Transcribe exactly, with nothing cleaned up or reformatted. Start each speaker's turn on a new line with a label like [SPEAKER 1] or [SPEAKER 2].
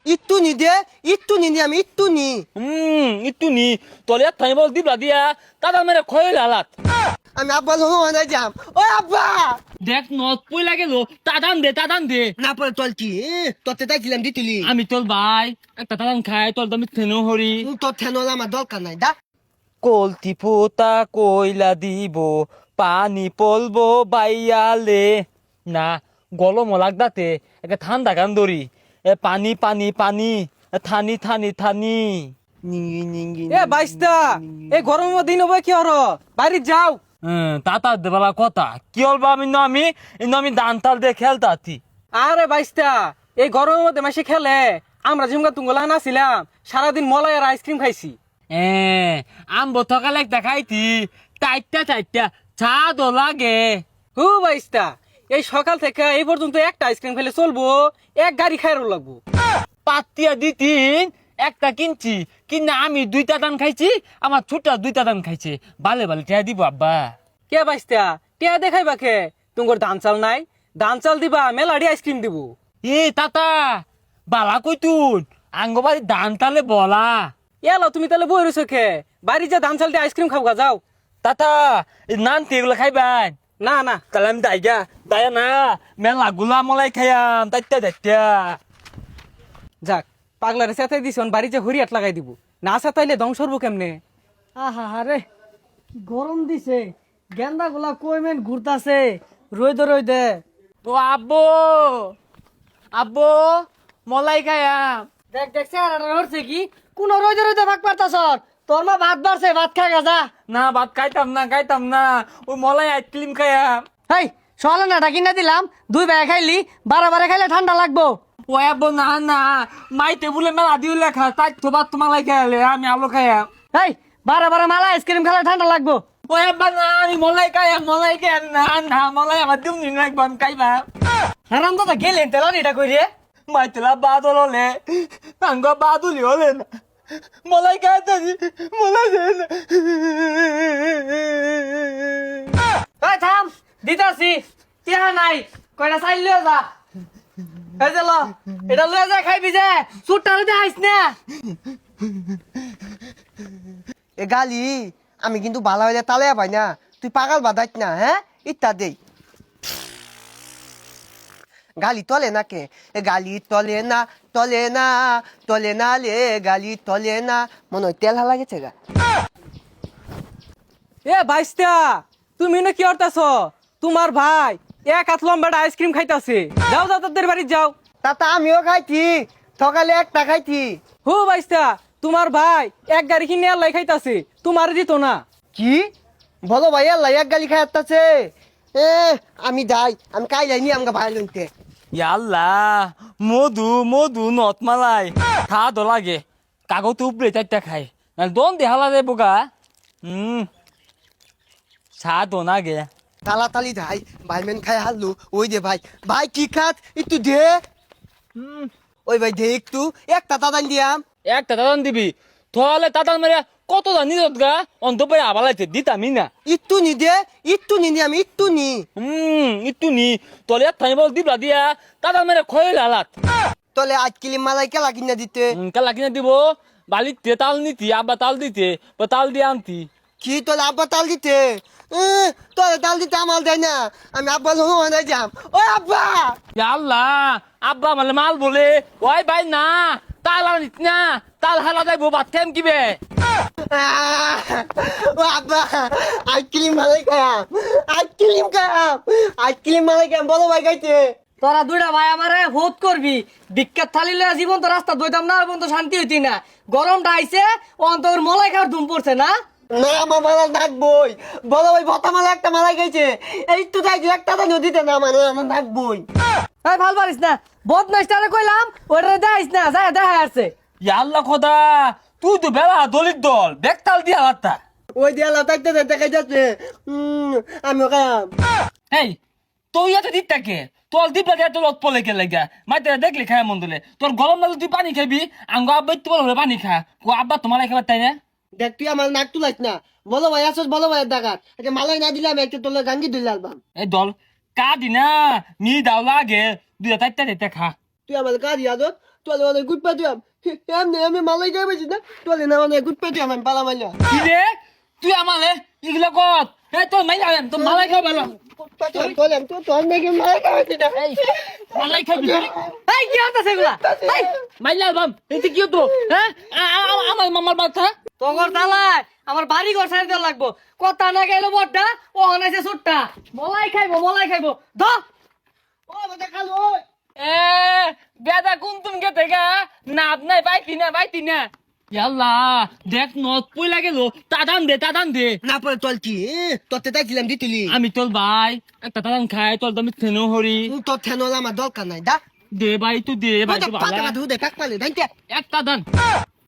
[SPEAKER 1] একটু নি দে একটু নি নি আমি একটু নি
[SPEAKER 2] হুম একটু নি তোর এক থাই বল দিবলা দিয়া তাদের মেরে খয়ে লালাত
[SPEAKER 1] আমি আব্বা লোহানা যাম ও আব্বা
[SPEAKER 2] দেখ নত পই লাগে লো তাদান দে তাদান দে
[SPEAKER 1] না পরে তোর কি তোতে তাইছিলাম দিতুলি
[SPEAKER 2] আমি তোর ভাই একটা তাদান খাই তোর দামি থেনো হরি
[SPEAKER 1] তোর ঠেনল আমার দরকার নাই দা
[SPEAKER 2] কলতি ফুটা কইলা দিব পানি পলবো বাইয়ালে না গলম লাগদাতে একটা ঠান্ডা গান ধরি এ পানি পানি পানি এ থানি থানি থানি
[SPEAKER 1] নিঙ্গি নিঙ্গি
[SPEAKER 3] এ বাইস্তা এই গরমের দিন হবে কি হর বাইরে যাও
[SPEAKER 2] হ্যাঁ তাতা দেবালা কথা কি হলবা আমি না আমি ইনো আমি দান তাল দিয়ে খেলতাতি
[SPEAKER 3] আরে বাইস্তা এই গরমের মধ্যে মাসে খেলে আমরা জিমগা তুঙ্গলা নাছিলাম সারাদিন মলাই আর আইসক্রিম খাইছি
[SPEAKER 2] এ আম্ব থকালে একটা খাইতি টাইটটা টাইটটা চা দো লাগে
[SPEAKER 3] হু বাইস্তা এই সকাল থেকে এই পর্যন্ত একটা আইসক্রিম খেলে চলবো এক গাড়ি খাইরও লাগবো
[SPEAKER 2] পাতিয়া দিতিন একটা কিনছি কিনা আমি দুইটা দান খাইছি আমার ছোটা দুইটা দান খাইছে বালে বালে টিয়া দিব আব্বা
[SPEAKER 3] কে বাইস্তা টিয়া দেখাইবা কে তুঙ্গর ধান চাল নাই ধান চাল দিবা মেলাডি আইসক্রিম দিব
[SPEAKER 2] এ তাতা বালা কইতুন আঙ্গবাড়ি দান তালে বলা
[SPEAKER 3] এলো তুমি তাহলে বই রয়েছো খে বাড়ি যা ধান চাল দিয়ে আইসক্রিম খাবো যাও
[SPEAKER 2] তাতা নান তেগুলো খাইবান
[SPEAKER 3] না না
[SPEAKER 2] তাহলে আমি দাইগা দায়া না মেলা গুলা মলাই খাইয়াম তাইতা দাইতা
[SPEAKER 3] যাক পাগলারে সাথে দিছ বাড়ি যে হরিয়াট লাগাই দিব না সাথাইলে ধ্বংস হবো কেমনে
[SPEAKER 4] আহা হারে কি গরম দিছে গেন্দা গুলা কইমেন ঘুরতাছে রইদে রইদে
[SPEAKER 2] ও আব্বু আব্বু মলাই খাইয়াম
[SPEAKER 4] দেখ দেখ চেহারাটা হচ্ছে কি কোন রইদে রইদে ভাগ পারতাছ তোর মা ভাত বাড়ছে ভাত খা গা
[SPEAKER 2] না ভাত খাইতাম না খাইতাম না ওই মলাই আইসক্রিম খাইয়াম
[SPEAKER 4] হেই সকালে নাটা কিনা দিলাম দুই বেলা খাইলি বারে বারে খাইলে ঠান্ডা লাগবো
[SPEAKER 2] ও আব্বু না না মাই টেবুলে মেলা দিও লেখা তাই তো ভাত তোমালাই খাইলে আমি আলু খাইয়াম
[SPEAKER 4] হেই বারে বারে মালা আইসক্রিম খেলে ঠান্ডা লাগবো
[SPEAKER 2] ও আব্বা না আমি মলাই খাইয়াম মলাই খাইয়াম না না মলাই আমার দিম নি একবার আমি খাইবা
[SPEAKER 4] হারাম দাদা গেলেন তেলা এটা কই রে
[SPEAKER 2] মাই তেলা বাদল হলে আঙ্গ বাদুলি হলে না মলাই খাইতে মলাই দে না
[SPEAKER 4] এই থাম দিতাছি টিয়া নাই কয়টা চাইল লিও যা এই যে ল এটা লয়ে যা খাইবি যে সুটটা লইতে আইস না
[SPEAKER 1] এ গালি আমি কিন্তু ভালো হইলে তালে পাই না তুই পাগল বাদাইত না হ্যাঁ ইত্যা দেই গালি তলে না কে এ গালি তলে না তলে না তলে না লে গালি তলে না মনে হয় তেল হালা গেছে গা
[SPEAKER 3] এ বাইস্তা তুমি না কি করতেছ তোমার ভাই এক হাত লম্বাটা আইসক্রিম খাইতাছে যাও যাও তাদের বাড়ি যাও
[SPEAKER 1] তাতা আমিও খাইছি সকালে একটা খাইছি
[SPEAKER 3] হু বাইস্তা তোমার ভাই এক গাড়ি কিনে আল্লাহ খাইতাছে তোমার দিত না
[SPEAKER 1] কি বলো ভাই আল্লাহ এক গালি খাই আসতেছে এ আমি যাই আমি কাই যাইনি আমাকে ভাই লইতে
[SPEAKER 2] ইয়াল্লা মধু মধু নত মালাই খা দো লাগে কাগজ উপরে চারটা খাই না দন দেহালা রে বোকা হুম চা দো না গে
[SPEAKER 1] তাড়াতাড়ি যাই ভাই মেন খাই হারলু ওই দে ভাই ভাই কি খাত একটু দে
[SPEAKER 2] হুম
[SPEAKER 1] ওই ভাই দে একটু একটা তাদান দিয়াম
[SPEAKER 2] একটা দাদান দিবি তাহলে তাতাল মেরে কত জানি গা অন্তপরে আবালাইতে দিতামি না
[SPEAKER 1] একটু নি দে একটু নি নি আমি একটু নি
[SPEAKER 2] হুম একটু নি তোর এক থাই বল দিবলা দিয়া তাতাল মেরে খয়ে লালাত
[SPEAKER 1] তলে আজ কিলি মালাই কেলা কিনা দিতে
[SPEAKER 2] কালা কিনে দিব বালিতে তাল নিতি আব্বা তাল দিতে বা তাল দিয়ে আনতি
[SPEAKER 1] কি তোলে আব্বা তাল দিতে এ, তোলে তাল দিতে আমার দেয় না আমি আব্বা লোহানা যাম ও আব্বা
[SPEAKER 2] আল্লাহ আব্বা মানে মাল বলে ওই ভাই না তাল আনিস না তাল হালা যাইবো বাদ কেম কিবে
[SPEAKER 1] আহ, ও আব্বা আজ কিলি মালাই খায়াম আজ কিলিম খায়াম আজ কিলি মালাই খায়াম বলো ভাই খাইতে
[SPEAKER 4] তোরা দুইটা ভাই আমারে ভোট করবি বিখ্যাত থালি লয়ে জীবন তো রাস্তা দইতাম না এবং তো শান্তি হইতি না গরমটা আইছে অন্তর মলাই খাওয়ার ধুম পড়ছে না
[SPEAKER 1] না আমার মালা ডাকবই বলো ভাই ভতা মালা একটা মালাই খাইছে এই তো খাইছে একটা তো নদীতে না মানে আমার ডাকবই
[SPEAKER 4] এই ভাল পারিস না বদমাইস্টারে কইলাম ওটা দেখাইস না যায় দেখা আসছে
[SPEAKER 2] আল্লাহ খোদা তুই তো বেলা দলিত দল বেক তাল দিয়া লাত্তা
[SPEAKER 1] ওই দেয়ালা থাকতে দেখা যাচ্ছে উম, আমিও খায়াম
[SPEAKER 2] এই তুই এত দিকটাকে তোর দিপলা দিয়ে তোর লত পলে কে লাগা মাইতে দেখলি খায় মন দিলে তোর গরম লাগলে তুই পানি খাবি আঙ্গ আব্বা তো বলে পানি খা ও আব্বা তোমার খাবার তাই না
[SPEAKER 1] দেখ তুই আমার নাক তুলাইস না বলো ভাই আসস বলো ভাই ডাকাত একটা মালাই না দিলে আমি একটা তোলে গাঙ্গি দিলে আলবাম
[SPEAKER 2] এই দল কা দিনা মি দাও লাগে দুইটা চারটা চারটা খা
[SPEAKER 1] তুই আমার কাজ ইয়াদত তোলে অনেক গুড পাঠিয়াম এমনি আমি মালাই খাই পাইছি না তোলে না অনেক গুড পাঠিয়াম আমি পালা মাইলা
[SPEAKER 2] কি রে তুই আমালে এগুলো কত এই তোর মাই যাবেন তোর মালাই খাও ভালো
[SPEAKER 1] পাঠিয়াম তোলে তো তোর নাকি মালাই খাই পাইছি না
[SPEAKER 2] এই মালাই খাবি
[SPEAKER 4] এই কি হতাছে এগুলা এই
[SPEAKER 2] মাইলা বাম এতে কি হতো হ্যাঁ আ- আ- আমার মামার বাচ্চা
[SPEAKER 4] তোর তালায় আমার বাড়ি ঘর সাইড দেওয়া লাগবো কথা না গেলো বড়টা ও অনাইছে ছোটটা মলাই খাইবো মলাই খাইবো দ
[SPEAKER 1] ও বেটা খালো
[SPEAKER 2] এ বেদা কোন তুমি কে থেকে নাপ নাই পাইতি না পাইতি না ইয়াল্লা দেখ নদ পয়লা গেল তাদান দে তাদান দে
[SPEAKER 1] না পরে তোল কি তোতে তাইছিলাম দিতিলি
[SPEAKER 2] আমি তোর ভাই একটা তাদান খাই তোর দামি থেনো হরি
[SPEAKER 1] তোর ঠেনল আমার দরকার নাই দা
[SPEAKER 2] দে ভাই তুই দে ভাই
[SPEAKER 1] পাতা
[SPEAKER 2] তুই
[SPEAKER 1] পাতা
[SPEAKER 2] ভালো
[SPEAKER 1] ধুদে কাক পালে দাইতে
[SPEAKER 2] একটা দান